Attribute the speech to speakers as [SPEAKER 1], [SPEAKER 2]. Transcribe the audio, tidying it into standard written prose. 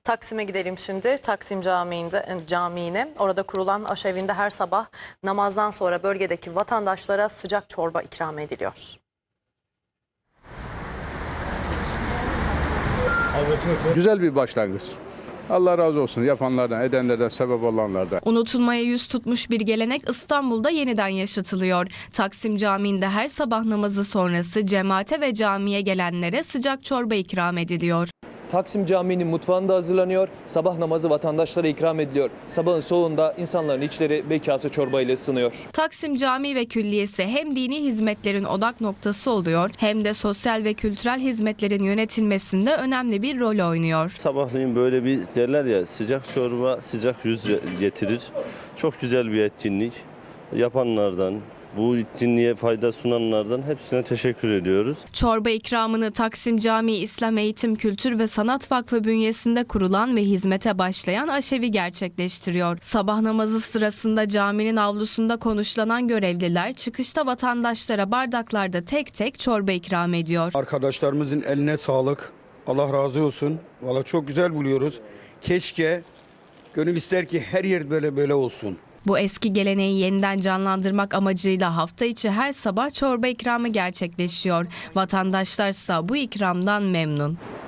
[SPEAKER 1] Taksim'e gidelim şimdi. Taksim Camii'ne. Orada kurulan aşevinde her sabah namazdan sonra bölgedeki vatandaşlara sıcak çorba ikram ediliyor.
[SPEAKER 2] Güzel bir başlangıç. Allah razı olsun yapanlardan, edenlerden, sebep olanlardan.
[SPEAKER 3] Unutulmaya yüz tutmuş bir gelenek İstanbul'da yeniden yaşatılıyor. Taksim Camii'nde her sabah namazı sonrası cemaate ve camiye gelenlere sıcak çorba ikram ediliyor.
[SPEAKER 4] Taksim Camii'nin mutfağında hazırlanıyor, sabah namazı vatandaşlara ikram ediliyor. Sabahın soğuğunda insanların içleri bir kase çorba ile ısınıyor.
[SPEAKER 3] Taksim Camii ve Külliyesi hem dini hizmetlerin odak noktası oluyor hem de sosyal ve kültürel hizmetlerin yönetilmesinde önemli bir rol oynuyor.
[SPEAKER 5] Sabahleyin böyle bir derler ya, sıcak çorba sıcak yüz getirir. Çok güzel bir etkinlik. Yapanlardan, bu etkinliğe fayda sunanlardan hepsine teşekkür ediyoruz.
[SPEAKER 3] Çorba ikramını Taksim Camii İslam Eğitim Kültür ve Sanat Vakfı bünyesinde kurulan ve hizmete başlayan aşevi gerçekleştiriyor. Sabah namazı sırasında caminin avlusunda konuşlanan görevliler çıkışta vatandaşlara bardaklarda tek tek çorba ikram ediyor.
[SPEAKER 6] Arkadaşlarımızın eline sağlık. Allah razı olsun. Valla çok güzel buluyoruz. Keşke, gönül ister ki her yer böyle olsun.
[SPEAKER 3] Bu eski geleneği yeniden canlandırmak amacıyla hafta içi her sabah çorba ikramı gerçekleşiyor. Vatandaşlarsa bu ikramdan memnun.